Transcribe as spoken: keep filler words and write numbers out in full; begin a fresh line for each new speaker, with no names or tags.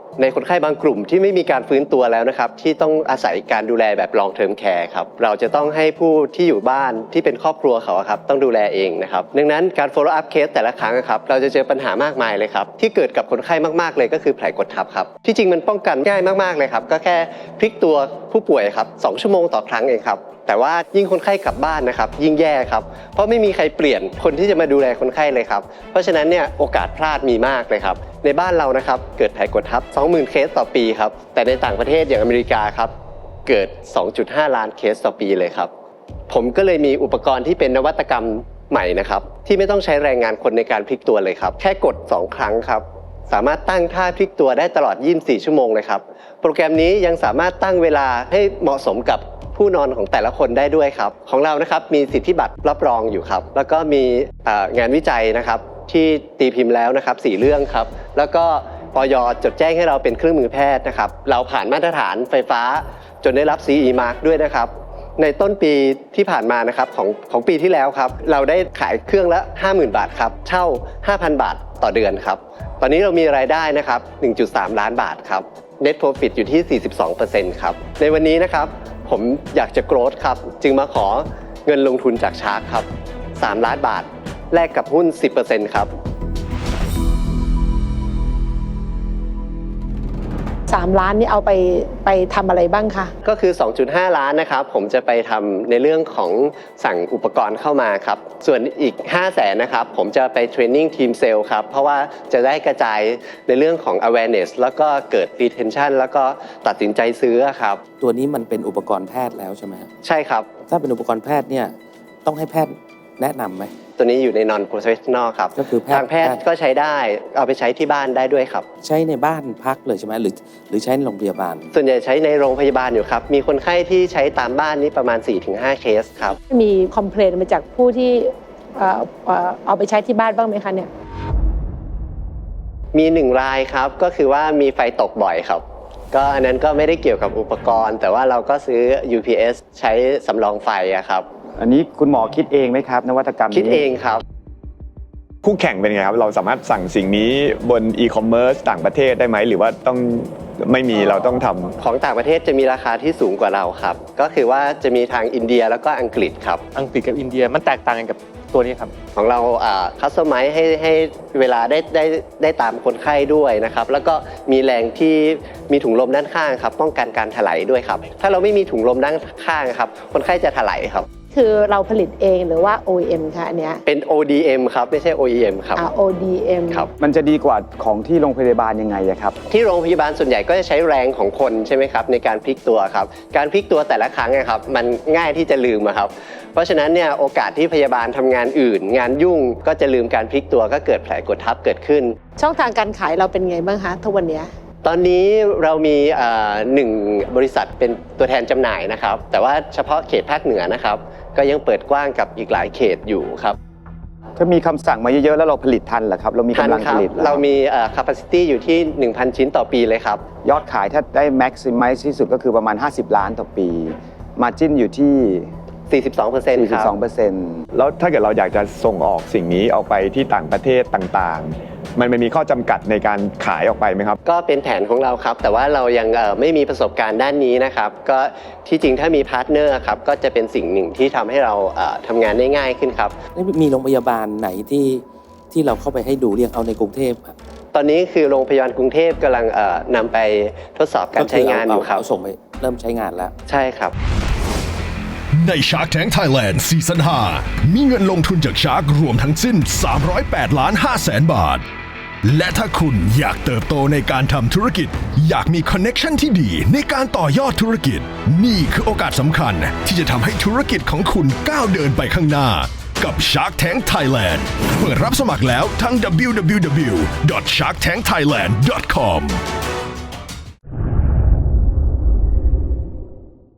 ในคนไข้บางกลุ่มที่ไม่มีการฟื้นตัวแล้วนะครับที่ต้องอาศัยการดูแลแบบ long term care ครับเราจะต้องให้ผู้ที่อยู่บ้านที่เป็นครอบครัวเขาครับต้องดูแลเองนะครับดังนั้นการ follow up case แต่ละครั้งครับเราจะเจอปัญหามากมายเลยครับที่เกิดกับคนไข้มากๆเลยก็คือแผลกดทับครับที่จริงมันป้องกันง่ายมากๆเลยครับก็แค่พลิกตัวผู้ป่วยครับสองชั่วโมงต่อครั้งเองครับแต่ว่ายิ่งคนไข้กลับบ้านนะครับยิ่งแย่ครับเพราะไม่มีใครเปลี่ยนคนที่จะมาดูแลคนไข้เลยครับเพราะฉะนั้นเนี่ยโอกาสพลาดมีมากเลยครับในบ้านเรานะครับเกิดแผลกดทับ สองหมื่น เคสต่อปีครับแต่ในต่างประเทศอย่างอเมริกาครับเกิด สองจุดห้า ล้านเคสต่อปีเลยครับผมก็เลยมีอุปกรณ์ที่เป็นนวัตกรรมใหม่นะครับที่ไม่ต้องใช้แรงงานคนในการพลิกตัวเลยครับแค่กดสองครั้งครับสามารถตั้งท่าพลิกตัวได้ตลอดยี่สิบสี่ชั่วโมงเลยครับโปรแกรมนี้ยังสามารถตั้งเวลาให้เหมาะสมกับผู้นอนของแต่ละคนได้ด้วยครับของเรานะครับมีสิทธิบัตรรับรองอยู่ครับแล้วก็มีงานวิจัยนะครับที่ตีพิมพ์แล้วนะครับสี่เรื่องครับแล้วก็อย.จดแจ้งให้เราเป็นเครื่องมือแพทย์นะครับเราผ่านมาตรฐานไฟฟ้าจนได้รับ ซี อี Mark ด้วยนะครับในต้นปีที่ผ่านมานะครับของของปีที่แล้วครับเราได้ขายเครื่องละ ห้าหมื่น บาทครับเช่า ห้าพัน บาทต่อเดือนครับตอนนี้เรามีรายได้นะครับ หนึ่งจุดสาม ล้านบาทครับ Net Profit อยู่ที่ สี่สิบสองเปอร์เซ็นต์ ครับในวันนี้นะครับผมอยากจะโกรธครับจึงมาขอเงินลงทุนจากชาร์กครับสามล้านบาทแลกกับหุ้น สิบเปอร์เซ็นต์ ครับ
สามล้านนี่เอาไปไปทำอะไรบ้างคะ
ก็คือ สองจุดห้า ล้านนะครับผมจะไปทำในเรื่องของสั่งอุปกรณ์เข้ามาครับส่วนอีก ห้าแสนนะครับผมจะไปเทรนนิ่งทีมเซลล์ครับเพราะว่าจะได้กระจายในเรื่องของ awareness แล้วก็เกิด retention แล้วก็ตัดสินใจซื้อครับ
ตัวนี้มันเป็นอุปกรณ์แพทย์แล้วใช่ไหมครับ
ใช่ครับ
ถ้าเป็นอุปกรณ์แพทย์เนี่ยต้องให้แพทย์แนะนำไหม
ตัวนี้อยู่ใน non professional ครับ
ก็คือ
ทางแพทย์ก็ใช้ได้เอาไปใช้ที่บ้านได้ด้วยครับ
ใช้ในบ้านพักเลยใช่ไหมหรือหรือใช้ในโรงพยาบาล
ส่วนใหญ่ใช้ในโรงพยาบาลอยู่ครับมีคนไข้ที่ใช้ตามบ้านนี้ประมาณ สี่ถึงห้า เคสครับ
มีคอมเพลนมาจากผู้ที่เอาไปใช้ที่บ้านบ้างไหมคะเนี่ย
มีหนึ่งรายครับก็คือว่ามีไฟตกบ่อยครับก็อันนั้นก็ไม่ได้เกี่ยวกับอุปกรณ์แต่ว่าเราก็ซื้อ ยู พี เอส ใช้สำรองไฟอะครับ
อันนี้คุณหมอคิดเองไหมครับนวัตกรรมนี้
คิดเองครับ
คู่แข่งเป็นไงครับเราสามารถสั่งสิ่งนี้บนอีคอมเมิร์ซต่างประเทศได้ไหมหรือว่าต้องไม่มีเราต้องทำ
ของต่างประเทศจะมีราคาที่สูงกว่าเราครับก็คือว่าจะมีทางอินเดียแล้วก็อังกฤษครับ
อังกฤษกับอินเดียมันแตกต่างกันกับตัวนี้ครับ
ของเราคัสตอมไมซ์ให้ให้เวลาได้ได้ได้ตามคนไข้ด้วยนะครับแล้วก็มีแรงที่มีถุงลมด้านข้างครับป้องกันการถลายด้วยครับถ้าเราไม่มีถุงลมด้านข้างครับคนไข้จะถลายครับ
คือเราผลิตเองหรือว่า โอ อี เอ็ม คะอันเนี้ย
เป็น โอ ดี เอ็ม ครับไม่ใช่ โอ อี เอ็ม ครับ
อ่า โอ ดี เอ็ม
ครับ
มันจะดีกว่าของที่โรงพยาบาลยังไงครับ
ที่โรงพยาบาลส่วนใหญ่ก็จะใช้แรงของคนใช่ไหมครับในการพลิกตัวครับการพลิกตัวแต่ละครั้งนะครับมันง่ายที่จะลืมครับเพราะฉะนั้นเนี่ยโอกาสที่พยาบาลทำงานอื่นงานยุ่งก็จะลืมการพลิกตัวก็เกิดแผลกดทับเกิดขึ้น
ช่องทางการขายเราเป็นไงบ้างคะทุกวันนี้
ตอนนี้เรามีหนึ่งบริษัทเป็นตัวแทนจำหน่ายนะครับแต่ว่าเฉพาะเขตภาคเหนือนะครับก็ยังเปิดกว้างกับอีกหลายเขตอยู่ครับ
ถ้ามีคำสั่งมาเยอะๆแล้วเราผลิตทันเหรอครับเรามีกำลังผลิต
เรามี capacity อยู่ที่ หนึ่งพัน ชิ้นต่อปีเลยครับ
ยอดขายถ้าได้ maximize ที่สุดก็คือประมาณห้าสิบล้านต่อปี margin อยู่ที่
สี่สิบสองเปอร์เซ็นต์ ครับ
สี่สิบสองเปอร์เซ็นต์
แล้วถ้าเกิดเราอยากจะส่งออกสิ่งนี้ออกไปที่ต่างประเทศต่างๆมันมีข้อจำกัดในการขายออกไปไหมครับ
ก็เป็นแผนของเราครับแต่ว่าเรายังไม่มีประสบการณ์ด้านนี้นะครับก็ที่จริงถ้ามีพาร์ทเนอร์ครับก็จะเป็นสิ่งหนึ่งที่ทำให้เราทำงานได้ง่ายขึ้นครับ
มีโรงพยาบาลไหนที่ที่เราเข้าไปให้ดูเรียงเอาในกรุงเทพ
ตอนนี้คือโรงพยาบาลกรุงเทพกำลังนำไปทดสอบการใช้งานอยู่ครับ
ส่งไปเริ่มใช้งานแล้ว
ใช่ครับ
ใน Shark Tank Thailand ซีซั่นห้ามีเงินลงทุนจาก Shark รวมทั้งสิ้นสามร้อยแปดล้านห้าแสนบาทและถ้าคุณอยากเติบโตในการทำธุรกิจอยากมีคอนเน็กชันที่ดีในการต่อยอดธุรกิจนี่คือโอกาสสำคัญที่จะทำให้ธุรกิจของคุณก้าวเดินไปข้างหน้ากับ Shark Tank Thailand เปิดรับสมัครแล้วทั้ง ดับเบิลยู ดับเบิลยู ดับเบิลยู ดอท ชาร์กแทงค์ ไทยแลนด์ ดอท คอม